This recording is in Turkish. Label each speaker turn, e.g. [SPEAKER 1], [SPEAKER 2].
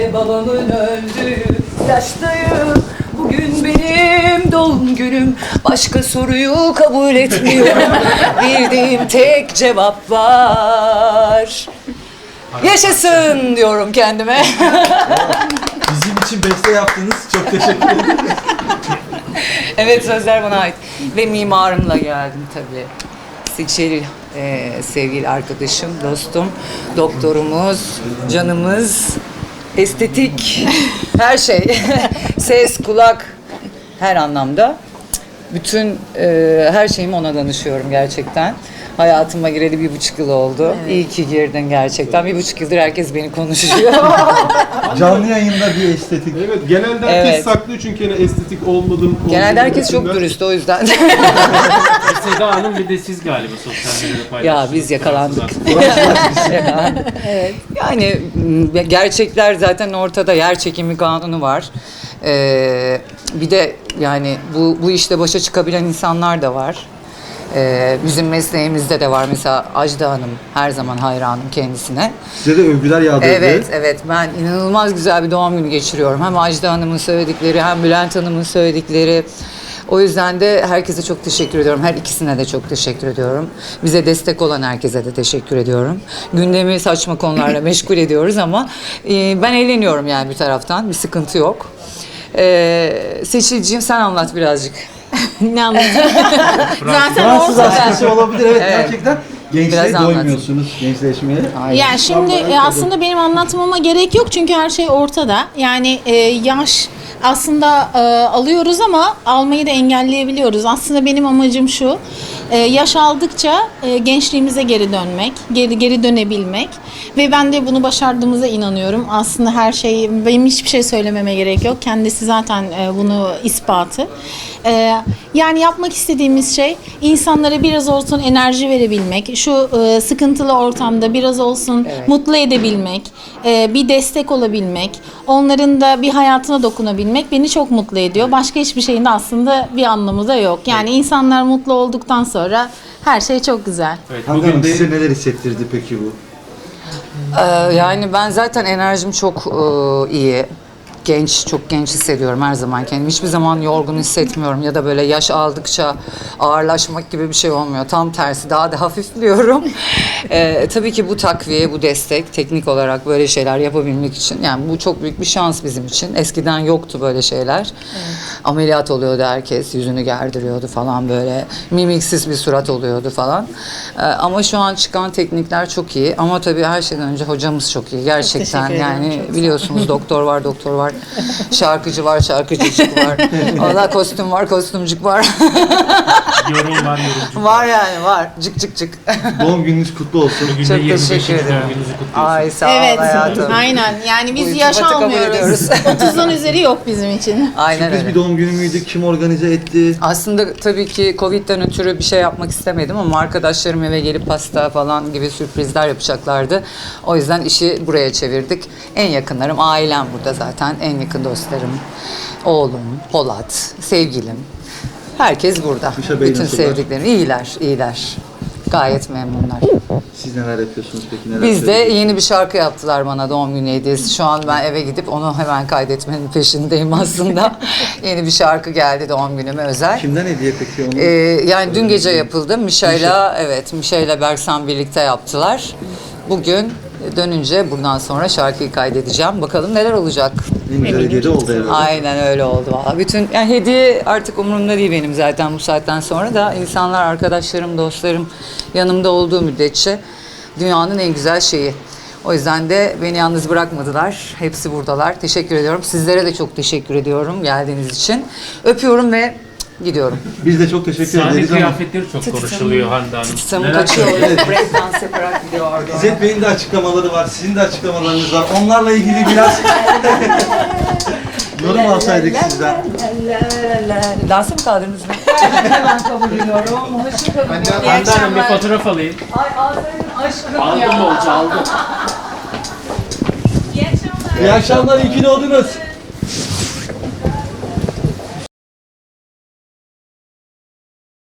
[SPEAKER 1] ve babamın öldüğü yaştayım. Bugün benim doğum günüm. Başka soruyu kabul etmiyorum. Bildiğim tek cevap var. Yaşasın diyorum kendime.
[SPEAKER 2] Bizim için beste yaptınız. Çok teşekkür ederim.
[SPEAKER 1] Evet, sözler bana ait. Ve mimarımla geldim tabii. Seçil, sevgili arkadaşım, dostum, doktorumuz, canımız, estetik, her şey. Ses, kulak, her anlamda. Bütün her şeyimi ona danışıyorum gerçekten. Hayatıma gireli 1,5 yıl oldu. Evet. İyi ki girdin gerçekten. 1,5 yıldır herkes beni konuşuyor.
[SPEAKER 2] Canlı yayında bir estetik.
[SPEAKER 3] Evet, genelde herkes saklıyor çünkü yani estetik olmadım.
[SPEAKER 1] Genelde herkes çok dürüst, o yüzden.
[SPEAKER 4] Seda Hanım bir de siz galiba sosyal medyada paylaştınız.
[SPEAKER 1] Ya biz yakalandık. Evet. Yani gerçekler zaten ortada. Yer çekimi kanunu var. Bir de yani bu işte başa çıkabilen insanlar da var. Bizim mesleğimizde de var. Mesela Ajda Hanım, her zaman hayranım kendisine.
[SPEAKER 2] Size de övgüler yağdırdı.
[SPEAKER 1] Evet. Ben inanılmaz güzel bir doğum günü geçiriyorum. Hem Ajda Hanım'ın söyledikleri hem Bülent Hanım'ın söyledikleri. O yüzden de herkese çok teşekkür ediyorum. Her ikisine de çok teşekkür ediyorum. Bize destek olan herkese de teşekkür ediyorum. Gündemi saçma konularla meşgul ediyoruz ama ben eğleniyorum yani bir taraftan. Bir sıkıntı yok. Seçilciğim, sen anlat birazcık.
[SPEAKER 5] Ne anlatayım? Zaten
[SPEAKER 2] Fransız
[SPEAKER 5] ortada.
[SPEAKER 2] askısı olabilir. Evet, gerçekten. Gençliğe
[SPEAKER 1] Biraz anlat.
[SPEAKER 2] doymuyorsunuz, gençleşmeye.
[SPEAKER 5] Yani şimdi aslında benim anlatmama gerek yok çünkü her şey ortada. Yani yaş aslında alıyoruz ama almayı da engelleyebiliyoruz. Aslında benim amacım şu, yaş aldıkça gençliğimize geri dönmek, geri dönebilmek ve ben de bunu başardığımıza inanıyorum. Aslında her şey, benim hiçbir şey söylememe gerek yok. Kendisi zaten bunu ispatı. Yani yapmak istediğimiz şey insanlara biraz olsun enerji verebilmek, şu sıkıntılı ortamda biraz olsun mutlu edebilmek, bir destek olabilmek, onların da bir hayatına dokunabilmek beni çok mutlu ediyor. Başka hiçbir şeyin de aslında bir anlamı da yok. Yani insanlar mutlu olduktan sonra her şey çok güzel.
[SPEAKER 4] Evet,
[SPEAKER 2] Hangi
[SPEAKER 4] bugün
[SPEAKER 2] Hanım,
[SPEAKER 4] de
[SPEAKER 2] size neler hissettirdi peki bu?
[SPEAKER 1] Yani ben zaten enerjim çok iyi. Çok genç hissediyorum her zaman kendimi. Hiçbir zaman yorgun hissetmiyorum ya da böyle yaş aldıkça ağırlaşmak gibi bir şey olmuyor. Tam tersi, daha da hafifliyorum. Tabii ki bu takviye, bu destek teknik olarak böyle şeyler yapabilmek için. Yani bu çok büyük bir şans bizim için. Eskiden yoktu böyle şeyler. Evet. Ameliyat oluyordu herkes, yüzünü gerdiriyordu falan böyle. Mimiksiz bir surat oluyordu falan. Ama şu an çıkan teknikler çok iyi. Ama tabii her şeyden önce hocamız çok iyi. Gerçekten
[SPEAKER 5] Çok
[SPEAKER 1] yani biliyorsunuz doktor var, şarkıcı var, şarkıcıcık var. Allah, kostüm var, kostümcük var.
[SPEAKER 4] yorum var, yorumcu.
[SPEAKER 1] Var yani, var. Cık cık.
[SPEAKER 2] Doğum gününüz kutlu olsun.
[SPEAKER 4] Bugün
[SPEAKER 1] Çok
[SPEAKER 4] de 25.
[SPEAKER 1] teşekkür ederim.
[SPEAKER 4] doğum gününüzü kutluyorsunuz.
[SPEAKER 1] Ay sağ ol
[SPEAKER 5] Evet,
[SPEAKER 1] hayatım.
[SPEAKER 5] aynen. Yani biz
[SPEAKER 1] Bu
[SPEAKER 5] yaş
[SPEAKER 1] iltifatı kabul
[SPEAKER 5] almıyoruz.
[SPEAKER 1] ediyoruz.
[SPEAKER 5] 30'dan üzeri yok bizim için.
[SPEAKER 1] Aynen
[SPEAKER 2] Sürpriz
[SPEAKER 1] öyle.
[SPEAKER 2] bir doğum günü müydü? Kim organize etti?
[SPEAKER 1] Aslında tabii ki Covid'den ötürü bir şey yapmak istemedim ama arkadaşlarım eve gelip pasta falan gibi sürprizler yapacaklardı. O yüzden işi buraya çevirdik. En yakınlarım, ailem burada zaten. En yakın dostlarım, oğlum, Polat, sevgilim. Herkes burada.
[SPEAKER 2] Gülşah Bey
[SPEAKER 1] Bütün
[SPEAKER 2] nasıllar?
[SPEAKER 1] sevdiklerim. İyiler. Gayet memnunlar.
[SPEAKER 2] Siz neler yapıyorsunuz peki? Neler
[SPEAKER 1] Biz de
[SPEAKER 2] söylüyorsunuz?
[SPEAKER 1] yeni bir şarkı yaptılar bana doğum günü hediyesi. Şu an ben eve gidip onu hemen kaydetmenin peşindeyim aslında. Yeni bir şarkı geldi doğum günüme özel.
[SPEAKER 2] Kimden hediye peki onu?
[SPEAKER 1] Yani dün gece yapıldı. Mişa'yla Berksan birlikte yaptılar. Bugün dönünce buradan sonra şarkıyı kaydedeceğim. Bakalım neler olacak.
[SPEAKER 2] En güzel hediye de oldu herhalde.
[SPEAKER 1] Aynen öyle oldu valla. Bütün yani hediye artık umurumda değil benim zaten bu saatten sonra da insanlar, arkadaşlarım, dostlarım yanımda olduğu müddetçe dünyanın en güzel şeyi. O yüzden de beni yalnız bırakmadılar. Hepsi buradalar. Teşekkür ediyorum. Sizlere de çok teşekkür ediyorum geldiğiniz için. Öpüyorum ve gidiyorum.
[SPEAKER 2] Biz de çok teşekkür
[SPEAKER 4] Sahne
[SPEAKER 2] ederiz ama
[SPEAKER 4] kıyafetleri çok konuşuluyor Hande Hanım.
[SPEAKER 1] Tutamı
[SPEAKER 4] Neler
[SPEAKER 1] kaçıyor.
[SPEAKER 4] söyleyeceksiniz?
[SPEAKER 1] Breakdance yaparak gidiyor.
[SPEAKER 2] İzzet Bey'in de açıklamaları var, sizin de açıklamalarınız var. Onlarla ilgili biraz yorum alsaydık sizden.
[SPEAKER 1] Dansa mı kaldınız mı? Hemen kabul ediyorum. Hoşça kalın.
[SPEAKER 4] Hande Hanım bir fotoğraf alayım.
[SPEAKER 1] Ay Azra'nın aşkım
[SPEAKER 4] Aldım
[SPEAKER 1] ya.
[SPEAKER 4] bolca aldım.
[SPEAKER 2] İyi akşamlar, iyi ki doğdunuz.